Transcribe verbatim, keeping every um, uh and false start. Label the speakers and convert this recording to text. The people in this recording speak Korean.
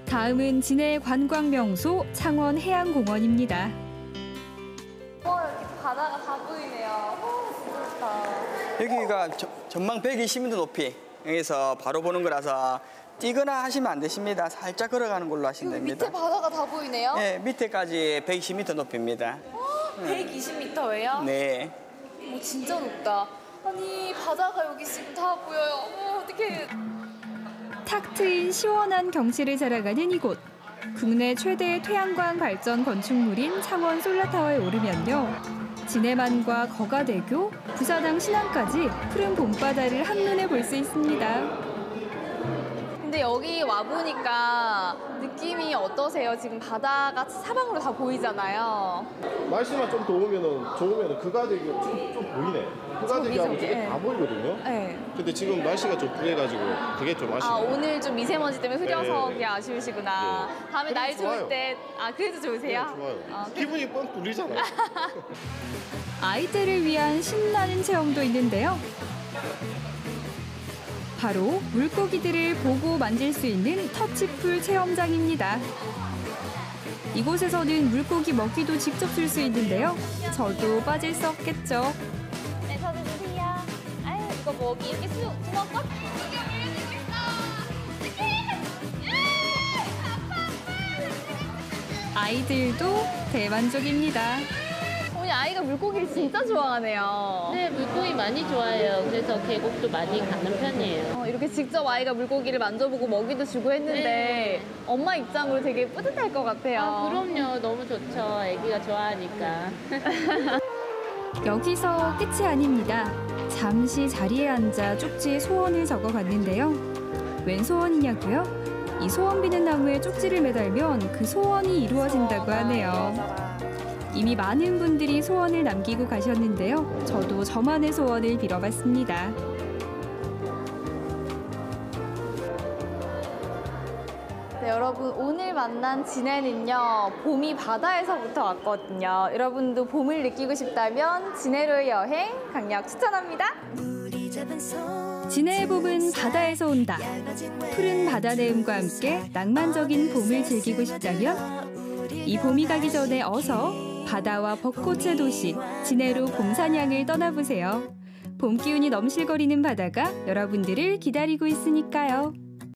Speaker 1: 다음은 진해의 관광 명소 창원 해양공원입니다.
Speaker 2: 와, 여기 바다가 다 보이네요. 오, 진짜 좋다.
Speaker 3: 여기가 저, 전망 백이십 미터 높이, 여기서 바로 보는 거라서 뛰거나 하시면 안 되십니다. 살짝 걸어가는 걸로 하시면 됩니다.
Speaker 2: 밑에 바다가 다 보이네요?
Speaker 3: 네, 밑에까지 백이십 미터 높이입니다.
Speaker 2: 어, 백이십 미터예요?
Speaker 3: 네.
Speaker 2: 오, 진짜 높다. 아니, 바다가 여기 지금 다 보여요. 어머, 어떡해.
Speaker 1: 탁 트인 시원한 경치를 자랑하는 이곳. 국내 최대의 태양광 발전 건축물인 창원 솔라타워에 오르면요. 진해만과 거가대교, 부사당 신항까지 푸른 봄바다를 한눈에 볼 수 있습니다.
Speaker 2: 근데 여기 와보니까 느낌이 어떠세요? 지금 바다가 사방으로 다 보이잖아요.
Speaker 4: 날씨만 좀 더우면은 좋으면은 그가대기 좀, 좀 보이네. 그가대기하고 저게
Speaker 2: 네.
Speaker 4: 다 보이거든요.
Speaker 2: 네.
Speaker 4: 근데 지금 날씨가 좀 그래가지고 그게 좀 아쉽네요.
Speaker 2: 아, 오늘 좀 미세먼지 때문에 흐려서
Speaker 4: 네.
Speaker 2: 그게 아쉬우시구나.
Speaker 4: 네.
Speaker 2: 다음에 날
Speaker 4: 좋아요.
Speaker 2: 좋을 때, 아, 그래도 좋으세요?
Speaker 4: 네, 좋아요.
Speaker 2: 어,
Speaker 4: 기분이 뻥 뚫리잖아요.
Speaker 1: 아이들을 위한 신나는 체험도 있는데요. 바로 물고기들을 보고 만질 수 있는 터치풀 체험장입니다. 이곳에서는 물고기 먹이도 직접 줄 수 있는데요. 저도 빠질 수 없겠죠.
Speaker 2: 네, 저도 주세요. 아유, 이거 먹이 이렇게 수, 주먹껏? 이게 물려주고 있어.
Speaker 1: 아이들도 대만족입니다.
Speaker 2: 오늘 아이가 물고기를 진짜 좋아하네요.
Speaker 5: 네, 물고기 많이 좋아해요. 그래서 계곡도 많이 가는 편이에요.
Speaker 2: 어, 이렇게 직접 아이가 물고기를 만져보고 먹이도 주고 했는데
Speaker 5: 네.
Speaker 2: 엄마 입장으로 되게 뿌듯할 것 같아요.
Speaker 5: 아, 그럼요. 너무 좋죠. 아기가 좋아하니까.
Speaker 1: 여기서 끝이 아닙니다. 잠시 자리에 앉아 쪽지에 소원을 적어봤는데요. 웬 소원이냐고요? 이 소원 비는 나무에 쪽지를 매달면 그 소원이 이루어진다고 하네요. 이미 많은 분들이 소원을 남기고 가셨는데요. 저도 저만의 소원을 빌어봤습니다.
Speaker 2: 네, 여러분 오늘 만난 진해는요. 봄이 바다에서부터 왔거든요. 여러분도 봄을 느끼고 싶다면 진해로의 여행 강력 추천합니다.
Speaker 1: 진해의 봄은 바다에서 온다. 푸른 바다 내음과 함께 낭만적인 봄을 즐기고 싶다면 이 봄이 가기 전에 어서 바다와 벚꽃의 도시 진해로 봄사냥을 떠나보세요. 봄 기운이 넘실거리는 바다가 여러분들을 기다리고 있으니까요.